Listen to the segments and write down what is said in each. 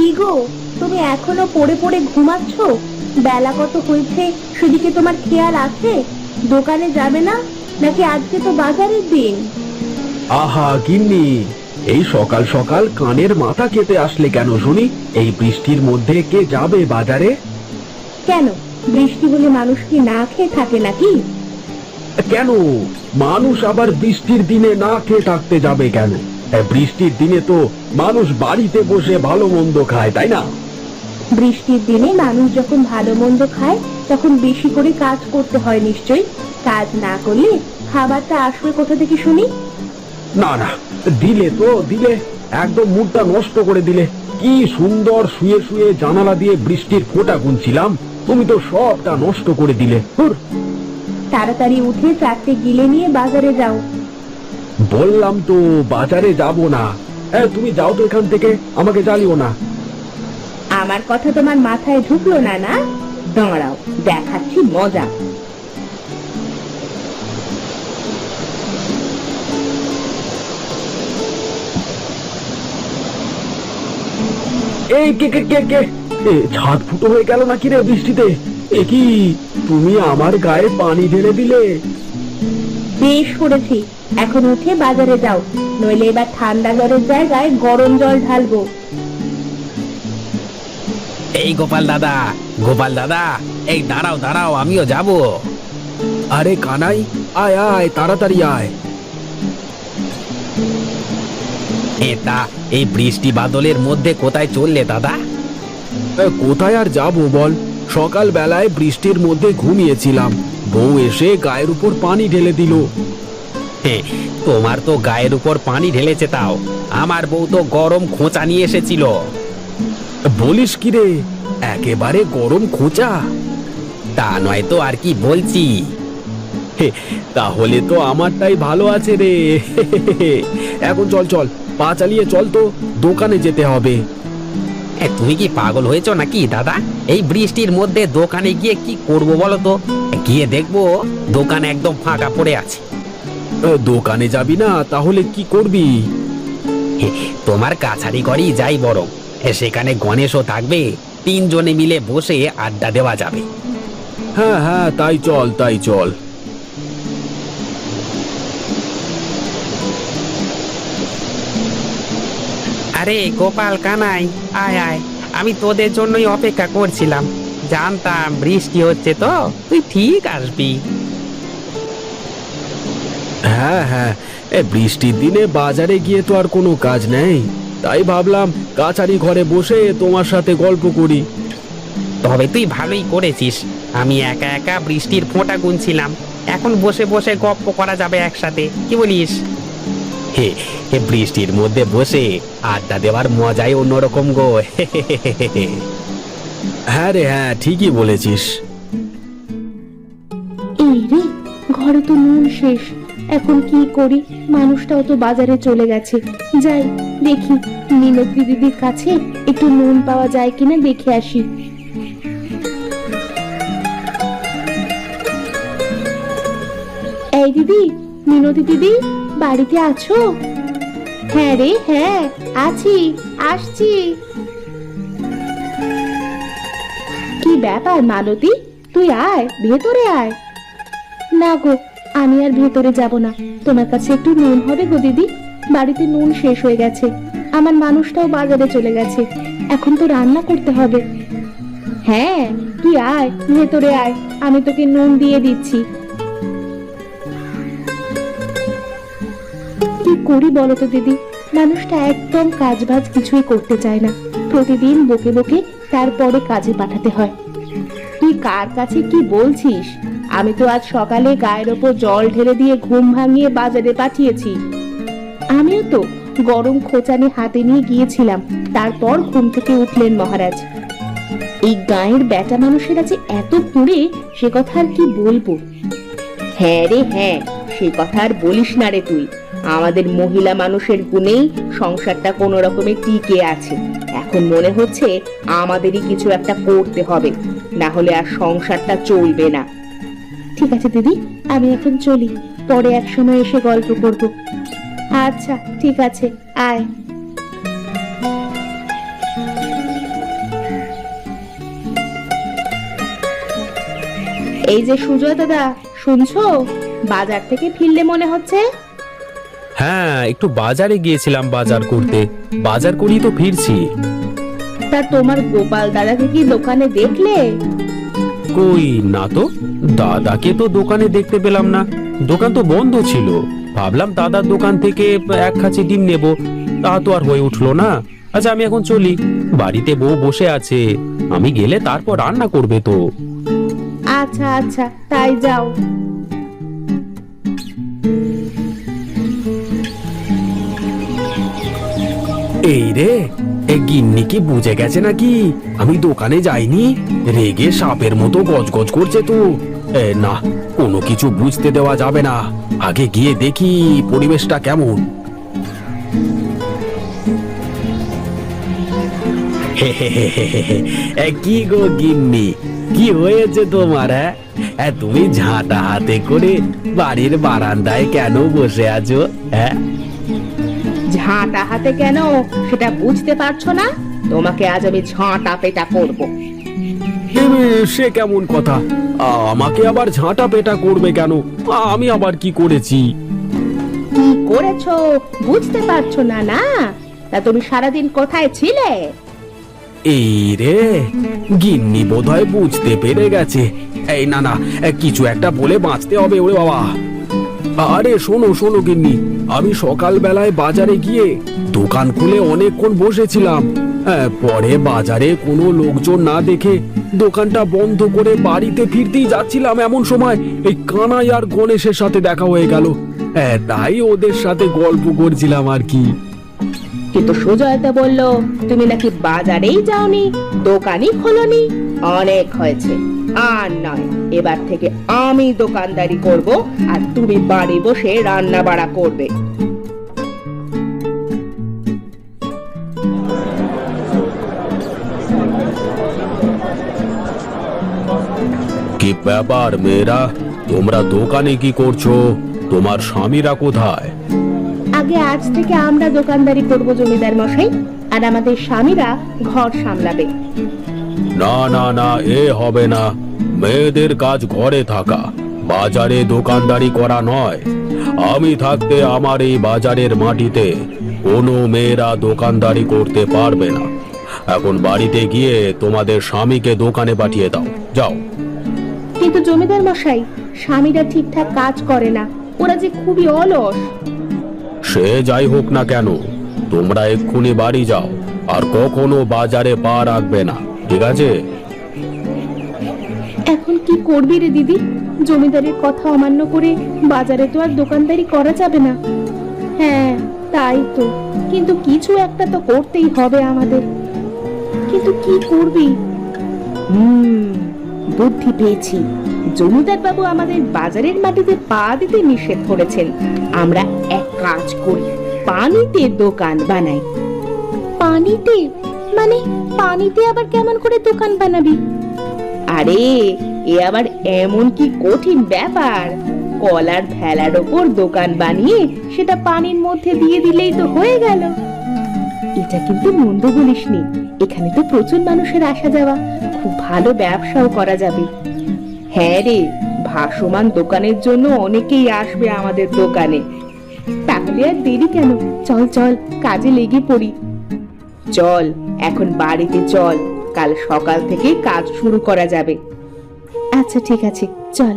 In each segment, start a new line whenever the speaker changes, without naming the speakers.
কি গো, তুমি এখনো পড়ে পড়ে ঘুমাচ্ছ? বেলা কত হয়েছে সেদিকে তোমার খেয়াল আছে? দোকানে যাবে না নাকি? আজকে তো বাজারের দিন।
আহা গিন্নি, এই সকাল সকাল কানের মাথা কেটে আসলে কেন শুনি? এই বৃষ্টির মধ্যে কে যাবে বাজারে?
কেন, বৃষ্টি হলে মানুষ কি না খেয়ে থাকে নাকি?
কেন মানুষ আবার বৃষ্টির দিনে না খেয়ে থাকতে যাবে কেন? বৃষ্টির দিনে তো মানুষ বাড়িতে বসে ভালো মন্দ খায়, তাই না?
বৃষ্টির দিনে মানুষ যখন ভালো মন্দ খায় তখন বেশি করে কাজ করতে হয় নিশ্চয়ই। কাজ না করলে খাবারটা আসবে কোথা থেকে শুনি?
না না, দিলে তো দিলে, একদম মুডটা নষ্ট করে দিলে। কি সুন্দর শুয়ে শুয়ে জানালা দিয়ে বৃষ্টির ফোঁটা গুনছিলাম, তুমি তো সবটা নষ্ট করে দিলে।
তাড়াতাড়ি উঠে চারটে গিলে নিয়ে বাজারে যাও।
বললাম তো বাজারে যাব না। তুমি যাও তো এখান থেকে, আমাকে জ্বালিও না।
আমার কথা তোমার মাথায় ঢুকলো না? না, দাঁড়াও, দেখাচ্ছি মজা।
এই কে কে কে কে ছাদ ফুটো হয়ে গেল নাকি রে বৃষ্টিতে? এ কি, তুমি আমার গায়ে পানি ঢেলে দিলে?
বেশ করেছি, এখন উঠে বাজারে যাও, নইলে এবার ঠান্ডা জলের জায়গায় গরম জল ঢালবো।
এই গোপাল দাদা, গোপাল দাদা, এই দাঁড়াও দাঁড়াও, আমিও যাব।
আরে কানাই, আয় আয়, তাড়াতাড়ি আয়।
এটা এই বৃষ্টি বাদলের মধ্যে কোথায় চললে দাদা?
কোথায় আর যাব বল, সকাল বেলায় বৃষ্টির মধ্যে ঘুমিয়েছিলাম, বউ এসে গায়ের উপর পানি ঢেলে দিল।
তোমার তো গায়ের উপর পানি ঢেলেছে, তাও আমার বউ তো গরম খোঁচা নিয়ে এসেছিল।
বলিস কি রে, একেবারে গরম খোঁচা?
তা নয় তো আর কি বলছি।
তাহলে তো আমারটাই ভালো আছে রে। এখন চল চল, পা চালিয়ে চল তো, দোকানে যেতে হবে।
তুমি কি পাগল হয়েছো নাকি দাদা? এই বৃষ্টির মধ্যে দোকানে গিয়ে কি করব বলো তো? গিয়ে দেখবো দোকান একদম ফাঁকা পড়ে আছে।
দোকানে যাবি না, তাহলে কি করবি?
তোমার কাছারি ঘরেই যাই বরং, সেখানে গণেশও থাকবে, তিনজনে মিলে বসে আড্ডা দেওয়া যাবে।
হ্যাঁ হ্যাঁ, তাই চল তাই চল।
আরে গোপাল কানাই, আয় আয়, আমি তোদের জন্যই অপেক্ষা করছিলাম। জানতাম বৃষ্টি হচ্ছে তো তুই ঠিক আসবি।
হ্যাঁ হ্যাঁ, বৃষ্টির দিনে বাজারে গিয়ে তো আর কোনো কাজ নেই, তাই ভাবলাম কাছারি ঘরে বসে তোমার সাথে গল্প করি।
তবে তুই ভালোই করেছিস, আমি একা একা বৃষ্টির ফোঁটা গুনছিলাম, এখন বসে বসে গপ্প করা যাবে একসাথে, কি বলিস? হে হে, বৃষ্টির মধ্যে বসে আড্ডা দেওয়ার মজাই অন্যরকম গো।
হ্যাঁ রে হ্যাঁ, ঠিকই বলেছিস।
এই রে, ঘরে তো নুন শেষ, এখন কি করি? মানুষটাও তো বাজারে চলে গেছে। যাই দেখি মিনতি দিদির কাছে একটু নুন পাওয়া যায় কিনা দেখে আসি। এই দিদি, মিনতি দিদি, বাড়িতে আছো? হ্যাঁ রে হ্যাঁ, আছি, আসছি। কি ব্যাপার মালতী, তুই আয়, ভেতরে আয়। না গো, আমি আর ভেতরে যাব না, তোমার কাছে একটু নুন হবে গো দিদি? বাড়িতে নুন শেষ হয়ে গেছে, আমার মানুষটাও বাজারে চলে গেছে, এখন তো রান্না করতে হবে। হ্যাঁ, তুই আয়, ভেতরে আয়, আমি তোকে নুন দিয়ে দিচ্ছি। কি করি বলো তো দিদি, মানুষটা একদম কাজবাজ কিছুই করতে চায় না, প্রতিদিন বকে বকে তারপরে কাজে পাঠাতে হয়। তুই কার কাছে কি বলছিস? আমি তো আজ সকালে গায়ের ওপর জল ঢেলে দিয়ে ঘুম ভাঙিয়ে বাজারে পাঠিয়েছি। আমিও তো গরম খোঁচানি হাতে নিয়ে গিয়েছিলাম, তারপর ঘুম থেকে উঠলেন মহারাজ। এই গায়ের বেটা মানুষেরা যে এত পুড়ে, সে কথা আর কি বলবো। হ্যাঁ রে হ্যাঁ, সে কথা আর বলিস না রে তুই। আমাদের মহিলা মানুষের গুণেই সংসারটা কোনো রকমে টিকে আছে। এখন মনে হচ্ছে আমাদেরই কিছু একটা করতে হবে, না হলে আর সংসারটা চলবে না। ঠিক আছে দিদি, আমি এখন চলি, পরে এক সময় এসে গল্প করব। আচ্ছা ঠিক আছে, আয়। এই যে সুজয় দাদা, শুনছো? বাজার থেকে ফিরলে মনে হচ্ছে।
হ্যাঁ, একটু বাজারে গিয়েছিলাম বাজার করতে। বাজার করেই তো ফিরছি।
তা তোমার গোপাল দাদাকে কি দোকানে দেখলে?
কই না তো, দাদাকে তো দোকানে দেখতে পেলাম না। দোকান তো বন্ধ ছিল। ভাবলাম দাদার দোকান থেকে এক খাঁচি ডিম নেব, তা তো আর হয়ে উঠলো না। আচ্ছা, আমি এখন চলি। বাড়িতে বউ বসে আছে, আমি গেলে তারপর রান্না করবে তো।
আচ্ছা আচ্ছা, তাই যাও।
এই রে, এ গিন্নি কি বুঝে গেছে নাকি আমি দোকানে যাইনি? রেগে সাপের মতো গজগজ করছে তো। না, কোনো কিছু বুঝতে দেওয়া যাবে না। আগে গিয়ে দেখি পরিবেশটা কেমন। কি গো গিন্নি, কি হয়েছে তোমার? হ্যাঁ, তুমি ঝাঁটা হাতে করে বাড়ির বারান্দায় কেন বসে আছো? হ্যাঁ,
ঝাঁটা হাতে কেন সেটা বুঝতে পারছো না? তোমাকে আজ আমি ঝাঁটা পেটা করব।
সে কেমন কথা? আমাকে আবার ঝাঁটা পেটা করবে কেন? আমি আবার কি করেছি?
কি করেছো বুঝতে পারছো না? না, তা তুমি সারাদিন কোথায় ছিলে?
এই রে, গিন্নি বোধহয় বুঝতে পেরে গেছে। এই না না, কিছু একটা বলে বাঁচতে হবে। ওরে বাবা! আরে শোনো শোনো গিন্নি, আমি সকালবেলায় বাজারে গিয়ে দোকান খুলে অনেকক্ষণ বসেছিলাম। পরে বাজারে কোনো লোকজন না দেখে দোকানটা বন্ধ করে বাড়িতে ফিরতেই যাচ্ছিলাম, এমন সময় এই কানাই আর গণেশের সাথে দেখা হয়ে গেল। তাই ওদের সাথে গল্প করছিলাম আর কি।
কিন্তু সুজয়তা বলল তুমি নাকি বাজারেই যাওনি, দোকানই খোলনি। অনেক হয়েছে, আর নয়। এবার থেকে আমি দোকানদারি করব, আর তুমি বাড়ি বসে রান্না বাড়া করবে।
কি ব্যাপার মেয়েরা, তোমরা দোকানে কি করছো? তোমার স্বামীরা কোথায়?
আগে আজ থেকে আমরা দোকানদারি করব জমিদার মশাই, আর আমাদের স্বামীরা ঘর সামলাবে।
না না না, এ হবে না। মেয়েদের কাজ ঘরে থাকা, বাজারে দোকানদারি করা নয়। আমি থাকতে আমার এই বাজারের মাটিতে কোনো মেয়েরা দোকানদারি করতে পারবে না। এখন বাড়িতে গিয়ে তোমাদের স্বামীকে দোকানে পাঠিয়ে দাও, যাও।
কিন্তু জমিদার মশাই, স্বামীরা ঠিকঠাক কাজ করে না, ওরা যে খুবই অলস।
সে যাই হোক না কেন, তোমরা এক্ষুনি বাড়ি যাও, আর কখনো বাজারে পা রাখবে না, ঠিক আছে?
এখন কি করবি রে দিদি? জমিদারের কথা অমান্য করে বাজারে তো আর দোকানদারি করা যাবে না। হ্যাঁ, তাই তো। কিন্তু কিছু একটা তো করতেই হবে আমাদের। কিন্তু কি করবি? বুদ্ধি পেয়েছি। জমিদার বাবু আমাদের বাজারের মাটিতে পা দিতে নিষেধ করেছেন। আমরা এক কাজ করি, পানিতে দোকান বানাই। পানিতে? মানে পানিতে আবার কেমন করে দোকান বানাবি? আরে, এ আবার এমন কি কঠিন ব্যাপার? কলার ভেলার ওপর দোকান বানিয়ে সেটা পানির মধ্যে দিয়ে দিলেই তো হয়ে গেল। এটা কিন্তু মন্দ বলিসনি। এখানে তো প্রচুর মানুষের আসা যাওয়া, খুব ভালো ব্যবসাও করা যাবে। হ্যাঁ রে, ভাসমান দোকানের জন্য অনেকেই আসবে আমাদের দোকানে। তাহলে আর দেরি কেন? চল চল, কাজে লেগে পড়ি। চল এখন বাড়িতে চল, কাল সকাল থেকে কাজ শুরু করা যাবে। আচ্ছা ঠিক আছে, চল।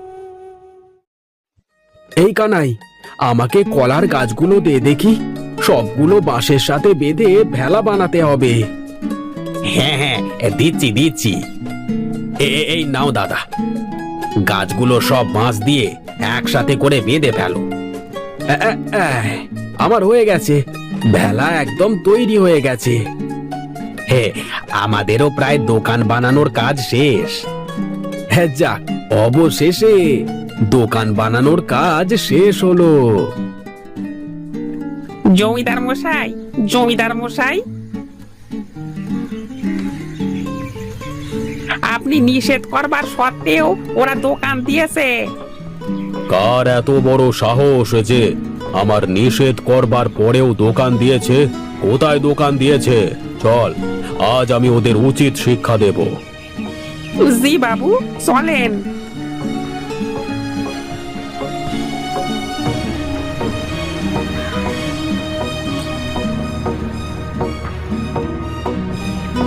এই কানাই, আমাকে কলার গাছগুলো দে দেখি। সবগুলো বাঁশের সাথে বেঁধে ভেলা বানাতে হবে। হ্যাঁ হ্যাঁ, দিচ্ছি দিচ্ছি। এই নাও দাদা, গাছগুলো সব বাঁশ দিয়ে একসাথে করে বেঁধে ফেলো। আমার হয়ে গেছে, ভেলা একদম তৈরি হয়ে গেছে। হে, আমাদেরও প্রায় দোকান বানানোর কাজ শেষ। হ্যাঁ, যাক, অবশেষে দোকান বানানোর কাজ শেষ হলো।
জমিদার মশাই, জমিদার মশাই, আপনি নিষেধ করবার সত্ত্বেও ওরা দোকান দিয়েছে।
কার এত বড় সাহস যে আমার নিষেধ করবার পরেও দোকান দিয়েছে? কোথায় দোকান দিয়েছে? চল, আজ আমি ওদের উচিত শিক্ষা দেব।
জি বাবু, চলেন।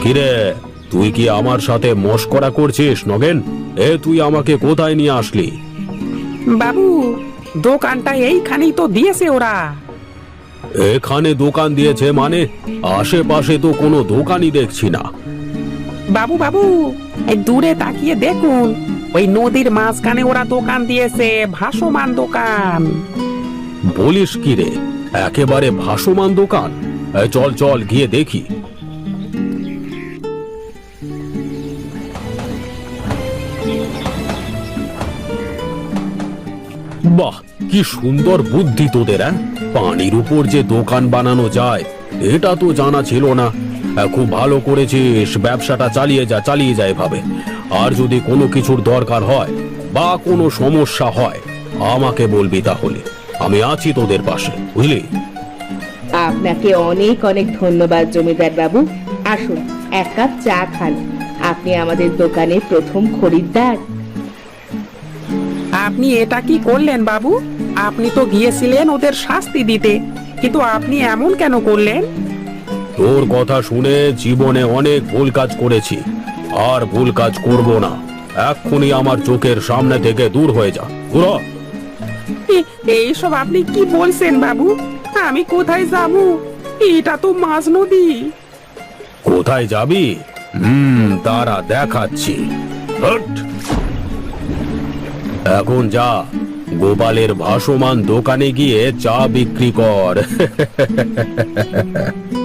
কিরে, তুই কি আমার সাথে মশকরা করছিস নগেন? তুই আমাকে কোথায় নিয়ে আসলি?
বাবু, দোকানটা এইখানেই তো দিয়েছে ওরা।
এখানে দোকান দিয়েছে মানে? আশেপাশে তো কোনো দোকানই দেখছি না।
বাবু বাবু, এই দূরে তাকিয়ে দেখুন, ওই নদীর মাঝখানে ওরা দোকান দিয়েছে, ভাসমান দোকান।
বলিস কি রে, একেবারে ভাসমান দোকান? চল চল গিয়ে দেখি। বাহ, কি সুন্দর বুদ্ধি তোদের! পানির উপর যে দোকান বানানো যায় এটা তো জানা ছিল না। খুব ভালো করেছিস, ব্যবসাটা চালিয়ে যা এভাবে। আর যদি কোনো কিছুর দরকার হয় বা কোনো সমস্যা হয় আমাকে বলবি, তাহলে আমি আছি তোদের পাশে, বুঝলি?
আপনাকে অনেক অনেক ধন্যবাদ জমিদার বাবু। আসুন, এক কাপ চা খান। আপনি আমাদের দোকানের প্রথম খরিদ্দার।
আপনি এটা কি করলেন বাবু? আপনি তো গিয়েছিলেন ওদের শাস্তি দিতে, কিন্তু আপনি এমন কেন করলেন?
তোর কথা শুনে জীবনে অনেক ভুল কাজ করেছি, আর ভুল কাজ করব না। এক্ষুনি আমার চোখের সামনে থেকে দূর হয়ে যা, দূর হ।
এইসব আপনি কি বলছেন বাবু? আমি কোথায় যাব? এটা তো মাঝ নদী।
কোথায় যাবি? তারা দেখাচ্ছি। হট! এখন যা, গোপালের ভাসমান দোকানে গিয়ে চা বিক্রি কর।